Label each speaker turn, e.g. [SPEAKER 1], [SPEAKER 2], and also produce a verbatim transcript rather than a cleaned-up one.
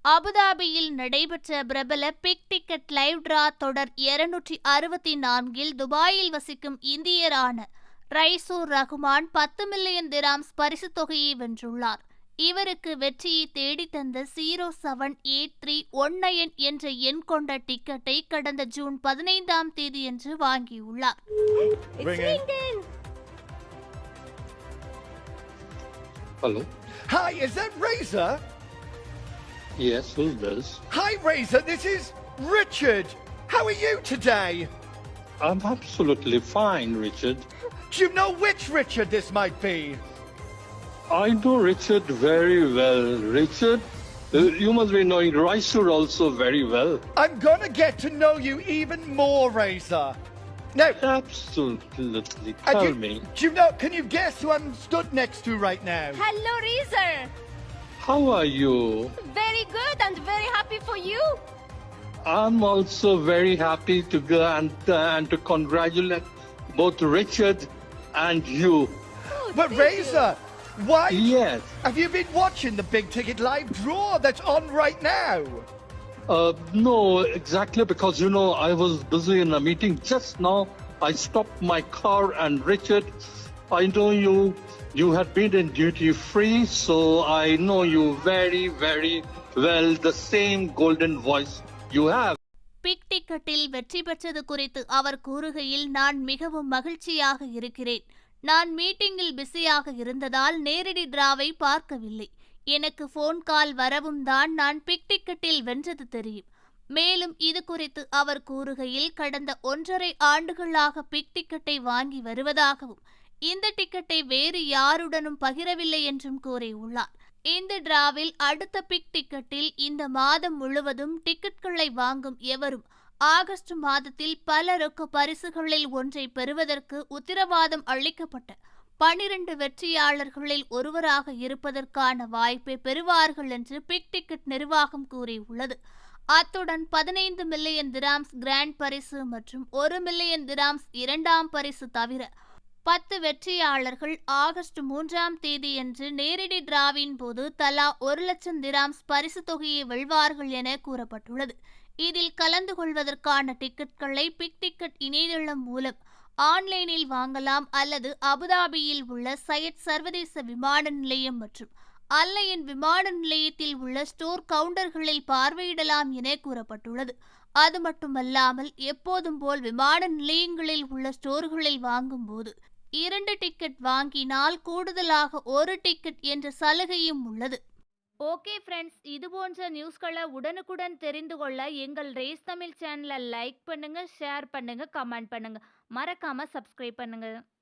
[SPEAKER 1] அபுதாபியில் நடைபெற்ற பிரபல பிக் டிக்கெட் லைவ் டிரா தொடர் இருநூற்றி அறுபத்தி நான்கில் துபாயில் வசிக்கும் இந்தியரான ரைசூர் ரகுமான் பத்து மில்லியன் திராம்ஸ் பரிசு தொகையை வென்றுள்ளார். இவருக்கு வெற்றியை தேடித்தந்த zero seven eight three one nine என்ற எண் கொண்ட டிக்கெட்டை கடந்த ஜூன் பதினைந்தாம் தேதியன்று வாங்கியுள்ளார்.
[SPEAKER 2] Hello.
[SPEAKER 3] Hi, is that Razor?
[SPEAKER 2] Yes, who's this?
[SPEAKER 3] Hi, Razor. This is Richard. How are you today?
[SPEAKER 2] I'm absolutely fine, Richard.
[SPEAKER 3] Do you know which Richard this might be?
[SPEAKER 2] I know Richard very well. Richard, uh, you must be knowing Raisur also very well.
[SPEAKER 3] I'm gonna get to know you even more, Razor. Now,
[SPEAKER 2] Absolutely.
[SPEAKER 3] uh,
[SPEAKER 2] Tell
[SPEAKER 3] do,
[SPEAKER 2] me,
[SPEAKER 3] do you know? Can you guess who I'm stood next to right now?
[SPEAKER 4] Hello, Razor.
[SPEAKER 2] how are you?
[SPEAKER 4] Very good and very happy for you.
[SPEAKER 2] I'm also very happy to go and, uh, and to congratulate both Richard and you.
[SPEAKER 4] Oh,
[SPEAKER 3] But
[SPEAKER 4] thank
[SPEAKER 3] Razor, why
[SPEAKER 2] Yes.
[SPEAKER 3] have you been watching the big ticket live draw that's on right now?
[SPEAKER 2] Uh, no, exactly, because you know I was busy in a meeting just now. I stopped my car, and Richard, I know you. You had been in duty free, so I know you very, very well. The same golden voice you have.
[SPEAKER 1] Big டிக்கெட்டில் வெற்றி பெற்றது குறித்து அவர் கூறுகையில், நான் மிகவும் மகிழ்ச்சியாக இருக்கிறேன். நான் மீட்டிங்கில் பிஸியாக இருந்ததால் நேரடி டிராவை பார்க்கவில்லை. எனக்கு போன் கால் வரவும் தான் நான் பிக் டிக்கெட்டில் வென்றது தெரியும். மேலும் இது குறித்து அவர் கூறுகையில், கடந்த ஒன்றரை ஆண்டுகளாக பிக் டிக்கெட்டை வாங்கி வருவதாகவும் இந்த டிக்கெட்டை வேறு யாருடனும் பகிரவில்லை என்றும் கூறியுள்ளார். இந்த டிராவில் அடுத்த பிக் டிக்கெட்டில் இந்த மாதம் முழுவதும் டிக்கெட்களை வாங்கும் எவரும் ஆகஸ்ட் மாதத்தில் பல ரொக்க பரிசுகளில் ஒன்றை பெறுவதற்கு உத்தரவாதம் அளிக்கப்பட்ட பனிரண்டு வெற்றியாளர்களில் ஒருவராக இருப்பதற்கான வாய்ப்பை பெறுவார்கள் என்று பிக் டிக்கெட் நிர்வாகம் கூறியுள்ளது. அத்துடன் பதினைந்து மில்லியன் திராம்ஸ் கிராண்ட் பரிசு மற்றும் ஒரு மில்லியன் திராம்ஸ் இரண்டாம் பரிசு தவிர பத்து வெற்றியாளர்கள் ஆகஸ்ட் மூன்றாம் தேதியன்று நேரடி டிராவின் போது தலா ஒரு லட்சம் திராம்ஸ் பரிசு தொகையை வெல்வார்கள் என கூறப்பட்டுள்ளது. இதில் கலந்து கொள்வதற்கான டிக்கெட்களை பிக் டிக்கெட் இணையதளம் மூலம் ஆன்லைனில் வாங்கலாம் அல்லது அபுதாபியில் உள்ள சையத் சர்வதேச விமான நிலையம் மற்றும் அல்லையன் விமான நிலையத்தில் உள்ள ஸ்டோர் கவுண்டர்களில் பார்வையிடலாம் என கூறப்பட்டுள்ளது. அது மட்டுமல்லாமல் எப்போதும் போல் விமான நிலையங்களில் உள்ள ஸ்டோர்களில் வாங்கும் போது இரண்டு டிக்கெட் வாங்கினால் கூடுதலாக ஒரு டிக்கெட் என்ற சலுகையும் உள்ளது. ஓகே ஃப்ரெண்ட்ஸ், இது போன்ற நியூஸ்களை உடனுக்குடன் தெரிந்து கொள்ள எங்கள் ரேஸ் தமிழ் சேனலை லைக் பண்ணுங்க, ஷேர் பண்ணுங்க, கமெண்ட் பண்ணுங்க, மறக்காம சப்ஸ்கிரைப் பண்ணுங்க.